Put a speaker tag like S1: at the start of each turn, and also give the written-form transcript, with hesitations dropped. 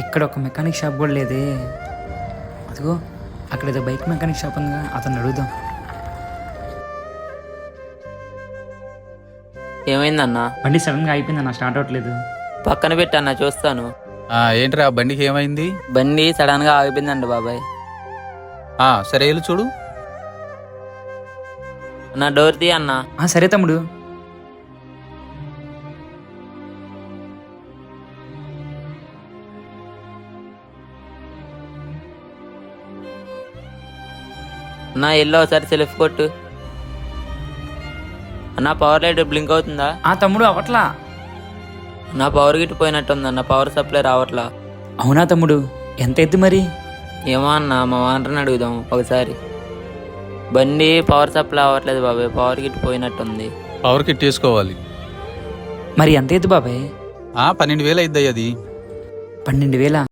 S1: ఇక్కడ ఒక mechanic shop కూడా లేదే. అదిగో అక్కడ ఏదో బైక్ మెకానిక్ షాప్ ఉందిగా, అతను అడుగుదాం.
S2: ఏమైందన్నా?
S1: బండి సడన్గా అయిపోయిందన్న, స్టార్ట్ అవ్వట్లేదు.
S2: పక్కన పెట్టన్నా చూస్తాను.
S3: ఏంట్రా బండికి ఏమైంది?
S2: బండి సడన్ గా ఆగిపోయిందండి బాబాయ్.
S3: సరే వెళ్ళు చూడు.
S2: అన్న డోర్ తీ అన్నా.
S1: సరే తమ్ముడు.
S2: అన్నా ఎల్లో ఒకసారి సెల్ఫ్ కొట్టు. అన్న పవర్ లైట్ బ్లింక్ అవుతుందా?
S1: తమ్ముడు అవట్లా.
S2: నా పవర్ గిట్ పోయినట్టుంది అన్న, పవర్ సప్లై రావట్లా.
S1: అవునా తమ్ముడు, ఎంత ఎద్దు మరి?
S2: ఏమో అన్న, మా వాంటర్ని అడుగుదాం ఒకసారి. బండి పవర్ సప్లై అవ్వట్లేదు బాబాయ్, పవర్ గిట్ పోయినట్టుంది.
S3: పవర్ కిట్ తీసుకోవాలి.
S1: మరి ఎంత ఎద్దు బాబాయ్?
S3: 12,000 అయిద్దాయి అది.
S1: 12,000?